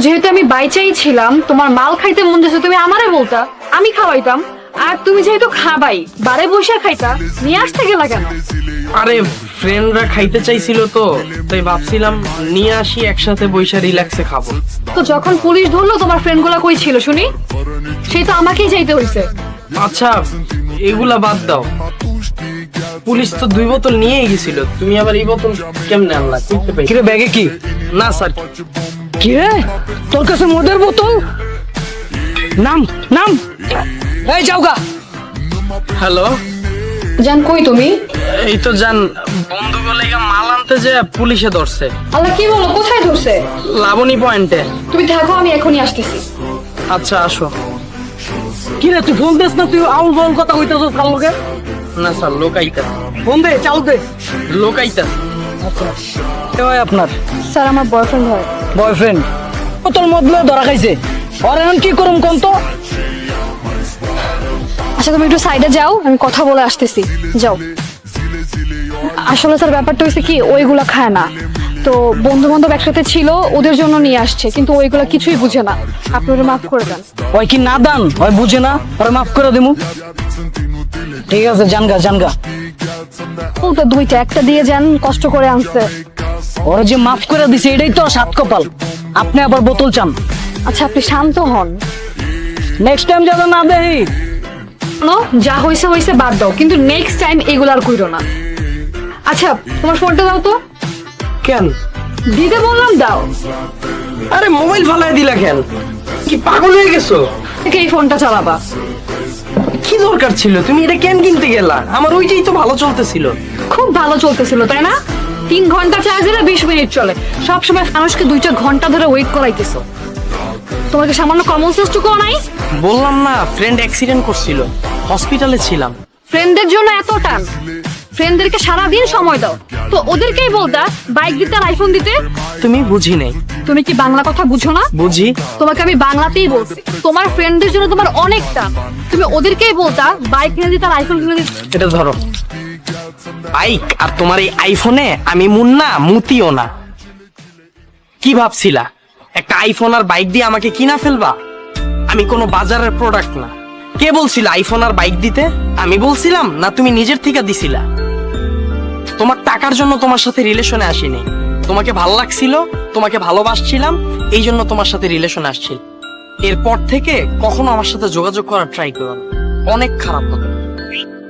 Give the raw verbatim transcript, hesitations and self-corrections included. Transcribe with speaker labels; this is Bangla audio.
Speaker 1: যেহেতু আমি বাইচাই ছিলাম, তোমার মাল খাইতে মন যাচ্ছে তুমি আমারে বলতা, আমি খাওয়াইতাম। আর তুমি যেহেতু খাবাই, বারে বসে খাইতা, নিয়ে আসতে গেলা কেন?
Speaker 2: আরে ফ্রেন্ডরা খাইতে চাইছিল তো, তাই ভাবছিলাম নিয়ে আসি, একসাথে বইসা রিল্যাক্সে খাবো।
Speaker 1: তো যখন পুলিশ ধরলো তোমার ফ্রেন্ড গুলা কই ছিল শুনি? সেই তো আমাকেই যাইতে হইছে।
Speaker 2: আচ্ছা এগুলা বাদ দাও, পুলিশ তো দুই বোতল নিয়েই গেছিল, তুমি আবার এই বোতল কেমনে আনলা? করতে পাই
Speaker 3: কিরে ব্যাগে কি?
Speaker 2: না স্যার।
Speaker 3: কি রে, তোর কাছে মদের বোতল? নাম নাম এই যাওগা।
Speaker 2: হ্যালো,
Speaker 1: জান কই তুমি?
Speaker 2: এই তো জান, বন্ধু বলে মাল আনতে যে পুলিশে ধরছে।
Speaker 1: আল্লাহ, কি বলো, কোথায় ধরছে?
Speaker 2: লাবণী পয়েন্টে।
Speaker 1: তুমি থাকো, আমি এখনই আসতেছি।
Speaker 2: আচ্ছা আসো।
Speaker 3: কি রে, তুই ফোন দিস না? তুই আউল বাউল কথা কইতেছস কার লগে?
Speaker 2: না স্যার, লোকাইতা
Speaker 3: ফোন দে, চালু দে।
Speaker 2: লোকাইতা।
Speaker 3: আচ্ছা কে হয় আপনার?
Speaker 1: স্যার, আমার বয়ফ্রেন্ড হয়।
Speaker 3: বয়ফ্রেন্ড? বোতল মদ লয়ে ধরা খাইছে, আর এখন কি করুম কোন তো?
Speaker 1: আচ্ছা তুমি একটু সাইডে যাও, আমি কথা বলে আসতেছি, যাও। আসলে স্যার ব্যাপারটা হয়েছে কি, ওইগুলা খায় না তো, বন্ধু বান্ধব একসাথে ছিল, ওদের জন্য নিয়ে আসছে, কিন্তু ওইগুলা কিছুই বুঝে না। আপনি ওরা মাফ করে দেন।
Speaker 3: ওই কি নাদান, ওই বুঝে না, ওরে মাফ করে দিমু। ঠিক আছে, জানগা জানগা।
Speaker 1: ও তো দুইটা, একটা দিয়ে যান, কষ্ট করে আনছে।
Speaker 3: ওরে যে মাফ করে দিছে এটাই তো সাত কপাল। আপনি আবার বোতল চান?
Speaker 1: আচ্ছা আপনি শান্ত হন।
Speaker 3: নেক্সট টাইম যাবে না দেহি।
Speaker 1: নো, যা হয়েছে হয়েছে, বাদ দাও, কিন্তু নেক্সট টাইম এগুলো আর কইরো না। আচ্ছা তোমার ফোনটা দাও তো।
Speaker 2: কেন?
Speaker 1: দিতে বললাম, দাও।
Speaker 2: আরে মোবাইল ফালাই দিলা কেন? কি পাগল হয়ে গেছো?
Speaker 1: থেকে এই ফোনটা চালাবা।
Speaker 2: কি দরকার ছিল? তুমি এটা কেন কিনতে গেলা? আমার ওইটাই তো ভালো চলতেছিল।
Speaker 1: খুব ভালো চলতেছিল তাই না? তিন ঘন্টা চার্জ দিলে বিশ মিনিট চলে, সবসময় মানুষকে দুইটা ঘন্টা ধরে ওয়েট করাইতেছো। তোমাকে সামান্য কমন সেন্সটুকুও নাই?
Speaker 2: বললাম না, ফ্রেন্ড অ্যাক্সিডেন্ট করছিল, হসপিটালে ছিলাম।
Speaker 1: ফ্রেন্ডদের জন্য এত টান? ফ্রেন্ডদেরকে সারাদিন সময় দাও, তো ওদেরকেই বলতা বাইক দিতে আর আইফোন দিতে।
Speaker 2: তুমি বুঝি নাই।
Speaker 1: তুমি কি বাংলা কথা বুঝো না?
Speaker 2: বুঝি।
Speaker 1: তোমাকে আমি বাংলাতেই বলছি, তোমার ফ্রেন্ডদের জন্য তোমার অনেক টান, তুমি ওদেরকেই বলতা বাইক কিনে দিতে আর আইফোন কিনে দিতে।
Speaker 2: এটা ধরো বাইক, আর তোমার এই আইফোনে আমি মুন্না মুতিও না। কি ভাবছিলা একটা আইফোন আর বাইক দিয়ে আমাকে কিনা ফেলবা? আমি কোনো বাজারের প্রোডাক্ট না। কে বলছিল আইফোন আর বাইক দিতে? আমি বলছিলাম না তুমি নিজের থেকে দিছিলা? তোমার টাকার জন্য তোমার সাথে রিলেশনে আসিনি, তোমাকে ভালো লাগছিল, তোমাকে ভালোবাসছিলাম, এই জন্য তোমার সাথে রিলেশনে আসছিল। এরপর থেকে কখনো আমার সাথে যোগাযোগ করার ট্রাই করো না, অনেক খারাপ হবে।